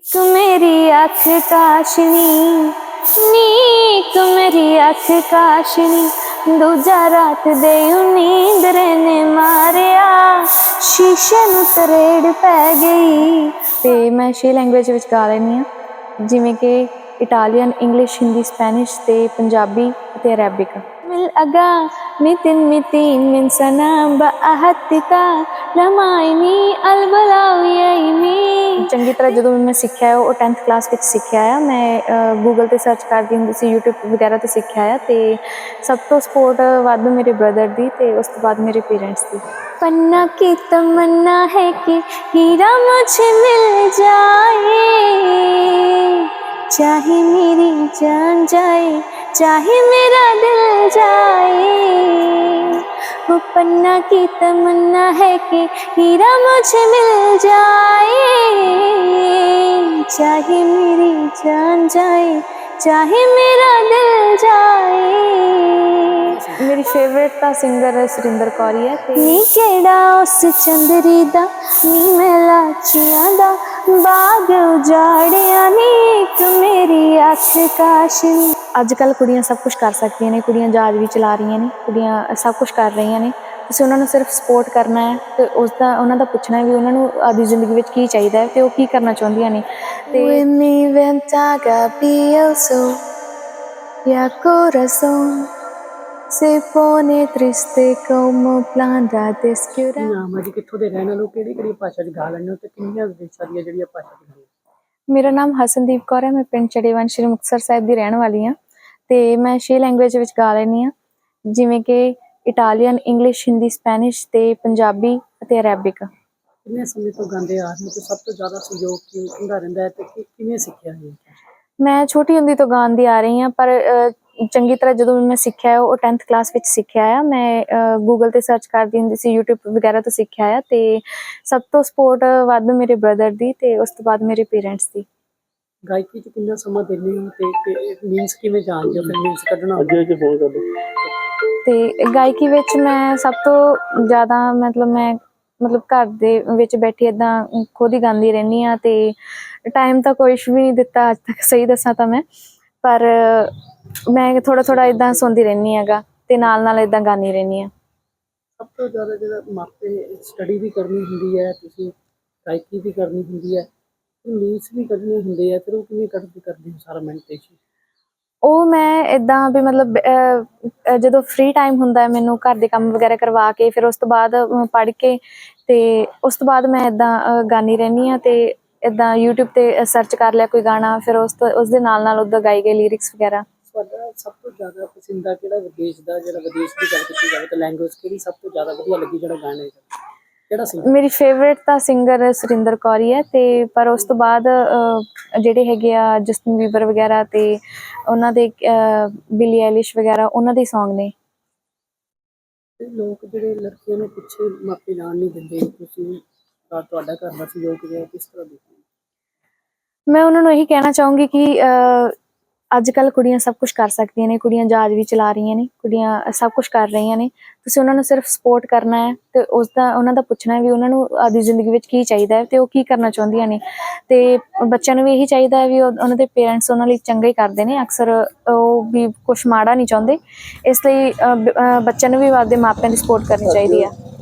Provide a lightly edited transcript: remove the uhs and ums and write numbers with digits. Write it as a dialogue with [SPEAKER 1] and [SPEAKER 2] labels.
[SPEAKER 1] तू मेरी आँख काशनी नीक मेरी आँख काशनी दूजा रात दे नींद ने मारिया शीशे नूं तरेड़ पै गई। ते मैं 6 लैंगुएज विच गा लैनी हाँ, जिवें कि इटालियन, इंग्लिश, हिंदी, स्पैनिश ते पंजाबी ते अरेबिक। मिल अगा मितिन मितिन मिन सना बअहतिका लमाइनी अलबलाउयैनी। चंगी तरह जो मैं सीखा है वो 10th क्लास में सीखा है। मैं गूगल ते सर्च करती हुंदी सी, यूट्यूब वगैरह तो सीखा है। ते सब तो सपोर्ट वध मेरे ब्रदर दी ते उस तो बाद मेरे पेरेंट्स दी। पन्ना की तमन्ना है कि हीरा मुझे मिल जाए, चाहे मेरी जान जाए चाहे मेरा दिल जाए। वो पन्ना की तमन्ना है कि हीरा मुझे मिल जाए, चाहे मेरी जान जाए चाहे मेरा दिल जाए। मेरी फेवरेट ता सिंगर सुरिंदर कौर ही है। नी केड़ा उस चंदरी दा नी मैं लाचियां दा बाग उजाड़िया नी एक मेरी अख काशनी। अजकल कुड़ियां सब कुछ कर सकदियां ने, कुड़ियां जहाज भी चला रही ने, कुड़ियां सब कुछ कर रही ने। तुसीं उन्हां नूं सिर्फ सपोर्ट करना है ते उसदा उन्हां दा पुछना है भी उन्हां नूं आपदी जिंदगी विच की चाहीदा है ते ओह की करना चाहुंदियां ने। ते mi ventaga pienso ya corazón se pone triste como planta descura।
[SPEAKER 2] ਨਾਮ ਹੈ ਜੀ, ਕਿੱਥੋਂ ਦੇ ਰਹਿਣ ਵਾਲੇ ਹੋ, ਕਿਹੜੀ ਕਿਹੜੀ ਭਾਸ਼ਾ 'ਚ ਗਾ ਲੈਂਦੇ ਹੋ ਤੇ ਕਿੰਨੀਆਂ ਦੇਸ਼ਾਂ ਦੀਆਂ ਜਿਹੜੀਆਂ ਭਾਸ਼ਾ 'ਚ ਗਾਉਂਦੇ ਹੋ?
[SPEAKER 1] मेरा नाम हसनदीप कौर है, मैं पिंड चड़ेवन श्री मुक्तसर साहिब की रहने वाली हाँ। तो मैं 6 लैंगुएज विच गा लैनी हाँ, जिवें कि इटालियन, इंग्लिश, हिंदी, स्पैनिश ते पंजाबी ते अरेबिक।
[SPEAKER 2] ਕਿੰਨੇ ਸਮੇਂ ਤੋਂ ਗਾਉਂਦੇ ਆ ਰਹੇ ਹੋ ਤੇ ਸਭ ਤੋਂ ਜ਼ਿਆਦਾ ਸਹਿਯੋਗ ਕਿਹਦਾ ਰਹਿੰਦਾ ਹੈ ਤੇ ਕਿਵੇਂ ਸਿੱਖਿਆ ਹੈ?
[SPEAKER 1] मैं छोटी हुंदी तो गांदी आ रही हाँ, पर चंगी तरह जो मैं सीखा है वो 10th क्लास में सीखा है। मैं गूगल ते सर्च करती हुंदी सी, यूट्यूब वगैरह तो सीखा है। तो सब तो सपोर्ट वध मेरे ब्रदर दी ते उस तो बाद मेरे पेरेंट्स दी।
[SPEAKER 2] ਗਾਇਕੀ 'ਚ ਕਿੰਨਾ ਸਮਾਂ ਦਿੰਦੇ ਹੋ ਤੇ ਮੀਨਸ ਕਿਵੇਂ ਜਾਣਦੇ ਹੋ ਫਿਰ ਮੀਨਸ ਕੱਢਣਾ? ਅੱਗੇ ਫੋਨ ਕਰ ਦਿਓ।
[SPEAKER 1] ਤੇ ਗਾਇਕੀ ਵਿੱਚ ਮੈਂ ਸਭ ਤੋਂ ਜ਼ਿਆਦਾ ਮਤਲਬ ਘਰ ਦੇ ਵਿੱਚ ਬੈਠੀ ਇੱਦਾਂ ਖੁਦ ਹੀ ਗਾਉਂਦੀ ਰਹਿੰਦੀ ਹਾਂ। ਤੇ ਟਾਈਮ ਤਾਂ ਕੁਛ ਵੀ ਨਹੀਂ ਦਿੱਤਾ ਅੱਜ ਤੱਕ, ਸਹੀ ਦੱਸਾਂ ਤਾਂ ਮੈਂ, ਪਰ ਮੈਂ ਥੋੜਾ ਇੱਦਾਂ ਸੁਣਦੀ ਰਹਿੰਦੀ ਹੈਗਾ ਤੇ ਨਾਲ ਇੱਦਾਂ ਗਾਉਂਦੀ ਰਹਿੰਦੀ ਹਾਂ।
[SPEAKER 2] ਸਭ ਤੋਂ ਜ਼ਿਆਦਾ ਜਿਹੜਾ ਮਾਪੇ ਸਟੱਡੀ ਵੀ ਕਰਨੀ ਹੁੰਦੀ ਹੈ, ਤੁਸੀਂ ਗਾਇਕੀ ਵੀ ਕਰਨੀ ਹੁੰਦੀ ਹੈ, ਮੀਨਸ ਵੀ ਕੱਢਣੇ ਹੁੰਦੇ ਆ, ਫਿਰ ਉਹ ਕਿਵੇਂ ਕਰਦੇ ਹੋ ਸਾਰਾ ਮੈਡੀਟੇਸ਼ਨ?
[SPEAKER 1] ਉਹ ਮੈਂ ਇੱਦਾਂ ਵੀ ਮਤਲਬ ਜਦੋਂ ਫ੍ਰੀ ਟਾਈਮ ਹੁੰਦਾ ਮੈਨੂੰ ਘਰ ਦੇ ਕੰਮ ਵਗੈਰਾ ਕਰਵਾ ਕੇ ਫਿਰ ਉਸ ਤੋਂ ਬਾਅਦ ਪੜ੍ਹ ਕੇ ਤੇ ਉਸ ਤੋਂ ਬਾਅਦ ਮੈਂ ਇੱਦਾਂ ਗਾਉਂਦੀ ਰਹਿੰਦੀ ਹਾਂ। ਤੇ ਇੱਦਾਂ YouTube ਤੇ ਸਰਚ ਕਰ ਲਿਆ ਕੋਈ ਗਾਣਾ, ਫਿਰ ਉਸ ਦੇ ਨਾਲ ਉੱਦਾਂ ਗਾਈ ਗਏ ਲਿਰਿਕਸ ਵਗੈਰਾ।
[SPEAKER 2] ਤੁਹਾਡਾ ਸਭ ਤੋਂ ਜ਼ਿਆਦਾ ਪਸੰਦੀਦਾ ਕਿਹੜਾ ਵਿਦੇਸ਼ ਦਾ, ਜਿਹੜਾ ਵਿਦੇਸ਼ ਦੀ ਗੱਲ ਕੀਤੀ ਜਾਵੇ ਤਾਂ ਲੈਂਗੁਏਜ ਕਿਹੜੀ ਸਭ ਤੋਂ ਜ਼ਿਆਦਾ ਵਧੀਆ ਲੱਗੀ, ਜਿਹੜਾ ਗਾਣੇ ਕਿਹੜਾ ਸਿੰਗਰ?
[SPEAKER 1] ਮੇਰੀ ਫੇਵਰੇਟ ਤਾਂ ਸਿੰਗਰ ਸੁਰਿੰਦਰ ਕੌਰ ਹੀ ਹੈ। ਤੇ ਪਰ ਉਸ ਤੋਂ ਬਾਅਦ ਜਿਹੜੇ ਹੈਗੇ ਆ ਜਸਟਿਨ ਬੀਬਰ ਵਗੈਰਾ ਤੇ ਉਹਨਾਂ ਦੇ ਬਿਲੀ ਆਇਲਿਸ਼ ਵਗੈਰਾ, ਉਹਨਾਂ ਦੇ ਸੌਂਗ ਨੇ।
[SPEAKER 2] ਲੋਕ ਜਿਹੜੇ ਲੜਕੀਆਂ ਨੂੰ ਪਿੱਛੇ ਮਾਪੇ ਜਾਣ ਨਹੀਂ ਦਿੰਦੇ, ਤੁਸੀਂ ਤੁਹਾਡਾ ਘਰ ਦਾ ਸਹਿਯੋਗ ਕਿਸ ਤਰ੍ਹਾਂ ਦੇਖਦੇ?
[SPEAKER 1] ਮੈਂ ਉਹਨਾਂ ਨੂੰ ਇਹੀ ਕਹਿਣਾ ਚਾਹੂੰਗੀ ਕਿ ਅੱਜ ਕੱਲ੍ਹ ਕੁੜੀਆਂ ਸਭ ਕੁਛ ਕਰ ਸਕਦੀਆਂ ਨੇ, ਕੁੜੀਆਂ ਜਹਾਜ਼ ਵੀ ਚਲਾ ਰਹੀਆਂ ਨੇ, ਕੁੜੀਆਂ ਸਭ ਕੁਛ ਕਰ ਰਹੀਆਂ ਨੇ। ਤੁਸੀਂ ਉਹਨਾਂ ਨੂੰ ਸਿਰਫ ਸਪੋਰਟ ਕਰਨਾ ਹੈ ਤੇ ਉਹਨਾਂ ਦਾ ਪੁੱਛਣਾ ਹੈ ਵੀ ਉਹਨਾਂ ਨੂੰ ਆਪਦੀ ਜ਼ਿੰਦਗੀ ਵਿੱਚ ਕੀ ਚਾਹੀਦਾ ਹੈ ਤੇ ਉਹ ਕੀ ਕਰਨਾ ਚਾਹੁੰਦੀਆਂ ਨੇ। ਤੇ ਬੱਚਿਆਂ ਨੂੰ ਵੀ ਇਹੀ ਚਾਹੀਦਾ ਹੈ ਵੀ ਉਹਨਾਂ ਦੇ ਪੇਰੈਂਟਸ ਉਹਨਾਂ ਲਈ ਚੰਗਾ ਹੀ ਕਰਦੇ ਨੇ, ਅਕਸਰ ਉਹ ਵੀ ਕੁਛ ਮਾੜਾ ਨਹੀਂ ਚਾਹੁੰਦੇ। ਇਸ ਲਈ ਬੱਚਿਆਂ ਨੂੰ ਵੀ ਆਪਦੇ ਮਾਪਿਆਂ ਦੀ ਸਪੋਰਟ ਕਰਨੀ ਚਾਹੀਦੀ ਆ।